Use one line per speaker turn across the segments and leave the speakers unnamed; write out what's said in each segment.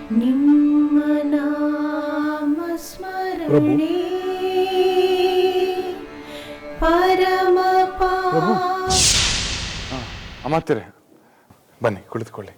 ನಿಮ್ಮ ನಾಮ ಸ್ಮರಣೆ ಪರಮ
ಅಮಾತ್ಯರೇ, ಬನ್ನಿ ಕುಳಿತುಕೊಳ್ಳಿ.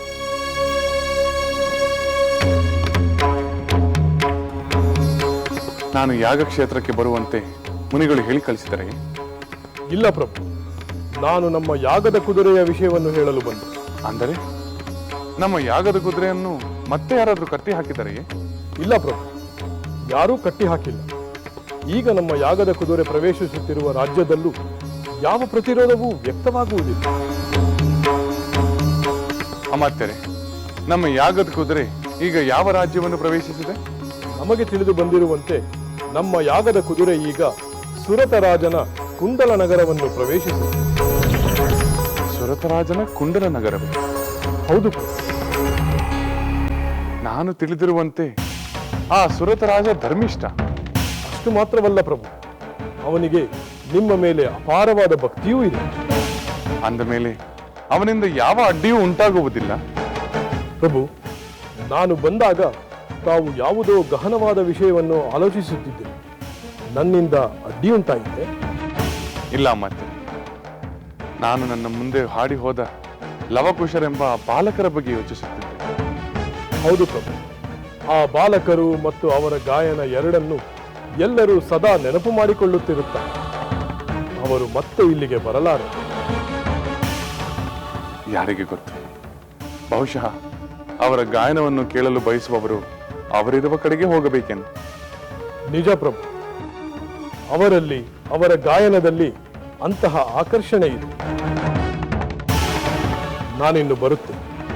ನಾನು ಯಾಗ ಕ್ಷೇತ್ರಕ್ಕೆ ಬರುವಂತೆ ಮುನಿಗಳು ಹೇಳಿ ಕಳಿಸಿದರೆ?
ಇಲ್ಲ ಪ್ರಭು, ನಾನು ನಮ್ಮ ಯಾಗದ ಕುದುರೆಯ ವಿಷಯವನ್ನು ಹೇಳಲು ಬಂದೆ.
ಅಂದರೆ ನಮ್ಮ ಯಾಗದ ಕುದುರೆಯನ್ನು ಮತ್ತೆ ಯಾರಾದರೂ ಕಟ್ಟಿ ಹಾಕಿದರೆಯೇ?
ಇಲ್ಲ ಪ್ರಭು, ಯಾರೂ ಕಟ್ಟಿ ಹಾಕಿಲ್ಲ. ಈಗ ನಮ್ಮ ಯಾಗದ ಕುದುರೆ ಪ್ರವೇಶಿಸುತ್ತಿರುವ ರಾಜ್ಯದಲ್ಲೂ ಯಾವ ಪ್ರತಿರೋಧವೂ ವ್ಯಕ್ತವಾಗುವುದಿಲ್ಲ.
ಅಮಾತ್ಯರೇ, ನಮ್ಮ ಯಾಗದ ಕುದುರೆ ಈಗ ಯಾವ ರಾಜ್ಯವನ್ನು ಪ್ರವೇಶಿಸಿದೆ?
ನಮಗೆ ತಿಳಿದು ಬಂದಿರುವಂತೆ ನಮ್ಮ ಯಾಗದ ಕುದುರೆ ಈಗ ಸುರತರಾಜನ ಕುಂಡಲ ನಗರವನ್ನು ಪ್ರವೇಶಿಸಿದೆ.
ಸುರತರಾಜನ ಕುಂಡಲ ನಗರವೇ?
ಹೌದು ಪ್ರಭು.
ನಾನು ತಿಳಿದಿರುವಂತೆ ಆ ಸುರತರಾಜ ಧರ್ಮಿಷ್ಠ.
ಅಷ್ಟು ಮಾತ್ರವಲ್ಲ ಪ್ರಭು, ಅವನಿಗೆ ನಿಮ್ಮ ಮೇಲೆ ಅಪಾರವಾದ ಭಕ್ತಿಯೂ ಇದೆ.
ಅಂದ ಮೇಲೆ ಅವನಿಂದ ಯಾವ ಅಡ್ಡಿಯೂ ಉಂಟಾಗುವುದಿಲ್ಲ?
ಪ್ರಭು, ನಾನು ಬಂದಾಗ ತಾವು ಯಾವುದೋ ಗಹನವಾದ ವಿಷಯವನ್ನು ಆಲೋಚಿಸುತ್ತಿದ್ದೆ. ನನ್ನಿಂದ ಅಡ್ಡಿಯುಂಟಾಗಿದೆ?
ಇಲ್ಲ ಮತ್ತೆ. ನಾನು ನನ್ನ ಮುಂದೆ ಹಾಡಿ ಹೋದ ಲವಕುಶರೆಂಬ ಬಾಲಕರ ಬಗ್ಗೆ ಯೋಚಿಸುತ್ತಿದ್ದೆ.
ಹೌದು ಪ್ರಭು, ಆ ಬಾಲಕರು ಮತ್ತು ಅವರ ಗಾಯನ ಎರಡನ್ನು ಎಲ್ಲರೂ ಸದಾ ನೆನಪು ಮಾಡಿಕೊಳ್ಳುತ್ತಿರುತ್ತಾರೆ. ಅವರು ಮತ್ತೆ ಇಲ್ಲಿಗೆ ಬರಲಾರೆ.
ಯಾರಿಗೆ ಗೊತ್ತು, ಬಹುಶಃ ಅವರ ಗಾಯನವನ್ನು ಕೇಳಲು ಬಯಸುವವರು ಅವರಿರುವ ಕಡೆಗೆ ಹೋಗಬೇಕೆಂದು.
ನಿಜ ಪ್ರಭು, ಅವರಲ್ಲಿ ಅವರ ಗಾಯನದಲ್ಲಿ ಅಂತಹ ಆಕರ್ಷಣೆ ಇದೆ. ನಾನಿನ್ನು ಬರುತ್ತೆ.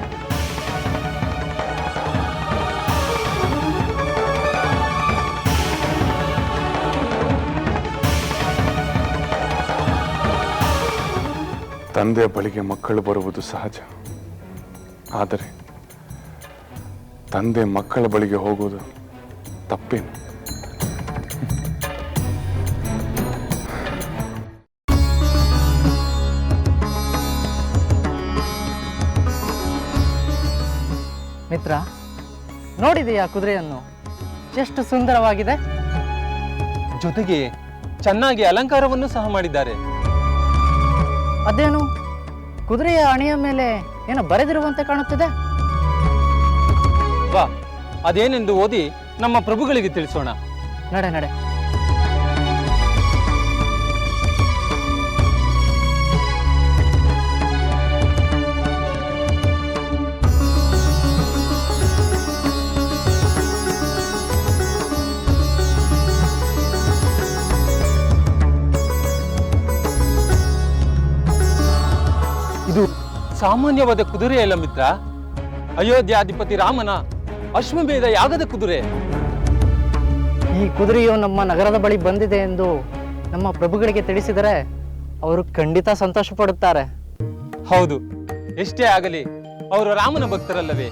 ತಂದೆಯ ಬಳಿಗೆ ಮಕ್ಕಳು ಬರುವುದು ಸಹಜ. ಆದರೆ ತಂದೆ ಮಕ್ಕಳ ಬಳಿಗೆ ಹೋಗುವುದು ತಪ್ಪೇನು?
ಮಿತ್ರ, ನೋಡಿದೆಯಾ ಕುದುರೆಯನ್ನು? ಎಷ್ಟು ಸುಂದರವಾಗಿದೆ.
ಜೊತೆಗೆ ಚೆನ್ನಾಗಿ ಅಲಂಕಾರವನ್ನು ಸಹ ಮಾಡಿದ್ದಾರೆ.
ಅದೇನು ಕುದುರೆಯ ಅಣೆಯ ಮೇಲೆ ಏನೋ ಬರೆದಿರುವಂತೆ ಕಾಣುತ್ತಿದೆ.
ವಾ, ಅದೇನೆಂದು ಓದಿ ನಮ್ಮ ಪ್ರಭುಗಳಿಗೆ ತಿಳಿಸೋಣ.
ನಡೆ ನಡೆ.
ಇದು ಸಾಮಾನ್ಯವಾದ ಕುದುರೆಯಲ್ಲ ಮಿತ್ರ, ಅಯೋಧ್ಯಾಧಿಪತಿ ರಾಮನ ಅಶ್ವಮೇಧ ಯಾಗದ ಕುದುರೆ.
ಈ ಕುದುರೆಯು ನಮ್ಮ ನಗರದ ಬಳಿ ಬಂದಿದೆ ಎಂದು ನಮ್ಮ ಪ್ರಭುಗಳಿಗೆ ತಿಳಿಸಿದರೆ ಅವರು ಖಂಡಿತ ಸಂತೋಷ ಪಡುತ್ತಾರೆ.
ಹೌದು, ಎಷ್ಟೇ ಆಗಲಿ ಅವರು ರಾಮನ ಭಕ್ತರಲ್ಲವೇ.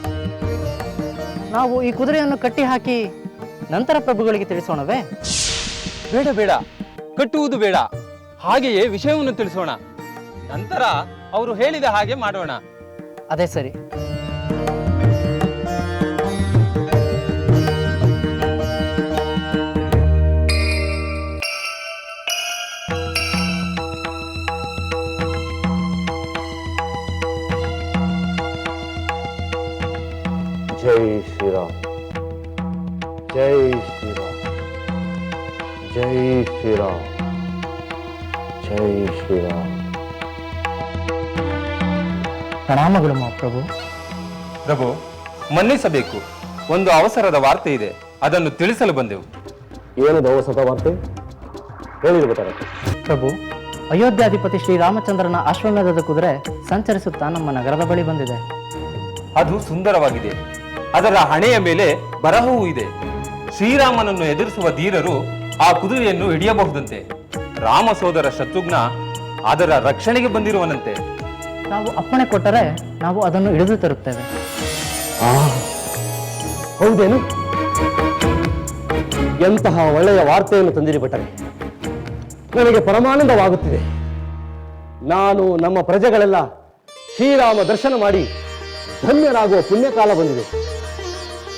ನಾವು ಈ ಕುದುರೆಯನ್ನು ಕಟ್ಟಿ ಹಾಕಿ ನಂತರ ಪ್ರಭುಗಳಿಗೆ ತಿಳಿಸೋಣವೇ?
ಬೇಡ ಬೇಡ, ಕಟ್ಟುವುದು ಬೇಡ. ಹಾಗೆಯೇ ವಿಷಯವನ್ನು ತಿಳಿಸೋಣ. ನಂತರ ಅವರು ಹೇಳಿದ ಹಾಗೆ ಮಾಡೋಣ.
ಅದೇ ಸರಿ.
ಜೈ ಶ್ರೀರಾಮ್, ಜೈ ಶ್ರೀರಾಮ್, ಜೈ ಶ್ರೀರಾಮ್, ಜೈ ಶ್ರೀರಾಮ್.
ಪ್ರಣಾಮಗಳು ಪ್ರಭು.
ಪ್ರಭು, ಮನ್ನಿಸಬೇಕು. ಒಂದು ಅವಸರದ ವಾರ್ತೆ ಇದೆ, ಅದನ್ನು ತಿಳಿಸಲು ಬಂದೆವು.
ಏನದು ಅವಸರದ ವಾರ್ತೆ? ಹೇಳಿರ್ಬೇಕಾರೆ.
ಪ್ರಭು, ಅಯೋಧ್ಯಾಧಿಪತಿ ಶ್ರೀರಾಮಚಂದ್ರನ ಅಶ್ವಮೇಧದ ಕುದುರೆ ಸಂಚರಿಸುತ್ತಾ ನಮ್ಮ ನಗರದ ಬಳಿ ಬಂದಿದೆ.
ಅದು ಸುಂದರವಾಗಿದೆ. ಅದರ ಹಣೆಯ ಮೇಲೆ ಬರಹವೂ ಇದೆ. ಶ್ರೀರಾಮನನ್ನು ಎದುರಿಸುವ ಧೀರರು ಆ ಕುದುರೆಯನ್ನು ಹಿಡಿಯಬಹುದಂತೆ. ರಾಮ ಸೋದರ ಶತ್ರುಘ್ನ ಅದರ ರಕ್ಷಣೆಗೆ ಬಂದಿರುವನಂತೆ.
ನಾವು ಅಪ್ಪಣೆ ಕೊಟ್ಟರೆ ನಾವು ಅದನ್ನು ಹಿಡಿದು ತರುತ್ತೇವೆ.
ಹೌದೇನು? ಎಂತಹ ಒಳ್ಳೆಯ ವಾರ್ತೆಯನ್ನು ತಂದಿರಿ ಭಟ್ಟರೆ. ನನಗೆ ಪರಮಾನಂದವಾಗುತ್ತಿದೆ. ನಾನು ನಮ್ಮ ಪ್ರಜೆಗಳೆಲ್ಲ ಶ್ರೀರಾಮ ದರ್ಶನ ಮಾಡಿ ಧನ್ಯರಾಗುವ ಪುಣ್ಯಕಾಲ ಬಂದಿದೆ.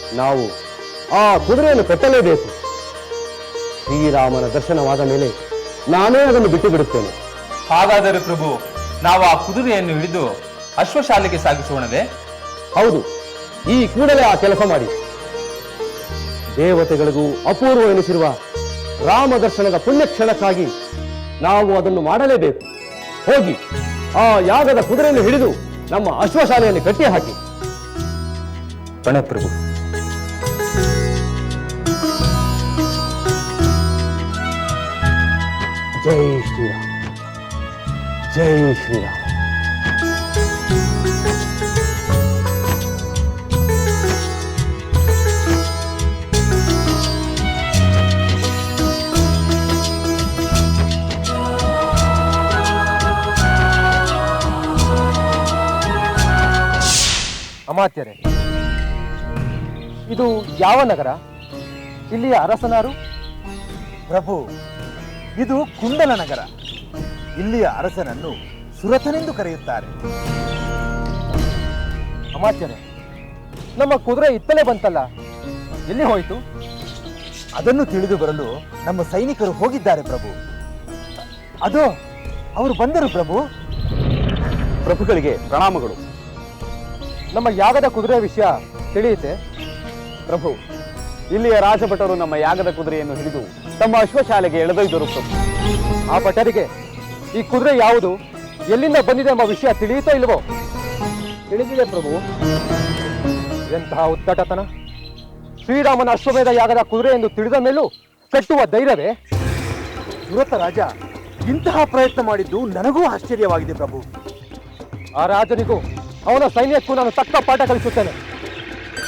ನಾವು ಆ ಕುದುರೆಯನ್ನು ಕಟ್ಟಲೇಬೇಕು. ಶ್ರೀರಾಮನ ದರ್ಶನವಾದ ಮೇಲೆ ನಾನೇ ಅದನ್ನು ಬಿಟ್ಟು ಬಿಡುತ್ತೇನೆ.
ಹಾಗಾದರೆ ಪ್ರಭು, ನಾವು ಆ ಕುದುರೆಯನ್ನು ಹಿಡಿದು ಅಶ್ವಶಾಲೆಗೆ ಸಾಗಿಸೋಣವೇ?
ಹೌದು, ಈ ಕೂಡಲೇ ಆ ಕೆಲಸ ಮಾಡಿ. ದೇವತೆಗಳಿಗೂ ಅಪೂರ್ವ ಎನಿಸಿರುವ ರಾಮ ದರ್ಶನದ ಪುಣ್ಯಕ್ಷಣಕ್ಕಾಗಿ ನಾವು ಅದನ್ನು ಮಾಡಲೇಬೇಕು. ಹೋಗಿ ಆ ಯಾಗದ ಕುದುರೆಯನ್ನು ಹಿಡಿದು ನಮ್ಮ ಅಶ್ವಶಾಲೆಯನ್ನು ಕಟ್ಟಿ ಹಾಕಿ.
ಬಣ ಪ್ರಭು.
ಜೈ ಶ್ರೀರಾಮ್, ಜೈ ಶ್ರೀರಾಮ್.
ಅಮಾತ್ಯರೇ, ಇದು ಯಾವ ನಗರ? ಇಲ್ಲಿಯ ಅರಸನಾರು?
ಪ್ರಭು, ಇದು ಕುಂಡಲ ನಗರ. ಇಲ್ಲಿಯ ಅರಸನನ್ನು ಸುರಥನೆಂದು ಕರೆಯುತ್ತಾರೆ.
ಅಮಾತ್ಯರೇ, ನಮ್ಮ ಕುದುರೆ ಇತ್ತಲೇ ಬಂತಲ್ಲ, ಎಲ್ಲಿ ಹೋಯಿತು?
ಅದನ್ನು ತಿಳಿದು ಬರಲು ನಮ್ಮ ಸೈನಿಕರು ಹೋಗಿದ್ದಾರೆ ಪ್ರಭು.
ಅದು ಅವರು ಬಂದರು ಪ್ರಭು.
ಪ್ರಭುಗಳಿಗೆ ಪ್ರಣಾಮಗಳು.
ನಮ್ಮ ಯಾಗದ ಕುದುರೆ ವಿಷಯ ತಿಳಿಯುತ್ತೆ
ಪ್ರಭು, ಇಲ್ಲಿಯ ರಾಜಭಟರು ನಮ್ಮ ಯಾಗದ ಕುದುರೆಯನ್ನು ಹಿಡಿದು ತಮ್ಮ ಅಶ್ವಶಾಲೆಗೆ ಎಳೆದೊಯ್ದರು ಪ್ರಭು.
ಆ ಭಟರಿಗೆ ಈ ಕುದುರೆ ಯಾವುದು, ಎಲ್ಲಿಂದ ಬಂದಿದೆ ಎಂಬ ವಿಷಯ ತಿಳಿಯುತ್ತೋ ಇಲ್ವೋ? ತಿಳಿದಿದೆ ಪ್ರಭು. ಎಂತಹ ಉದ್ದಟತನ! ಶ್ರೀರಾಮನ ಅಶ್ವಮೇಧ ಯಾಗದ ಕುದುರೆ ಎಂದು ತಿಳಿದ ಮೇಲೂ ಕಟ್ಟುವ ಧೈರ್ಯವೇ?
ಸುರಥ ರಾಜ ಇಂತಹ ಪ್ರಯತ್ನ ಮಾಡಿದ್ದು ನನಗೂ ಆಶ್ಚರ್ಯವಾಗಿದೆ ಪ್ರಭು.
ಆ ರಾಜನಿಗೂ ಅವನ ಸೈನ್ಯಕ್ಕೂ ನಾನು ತಕ್ಕ ಪಾಠ ಕಲಿಸುತ್ತೇನೆ.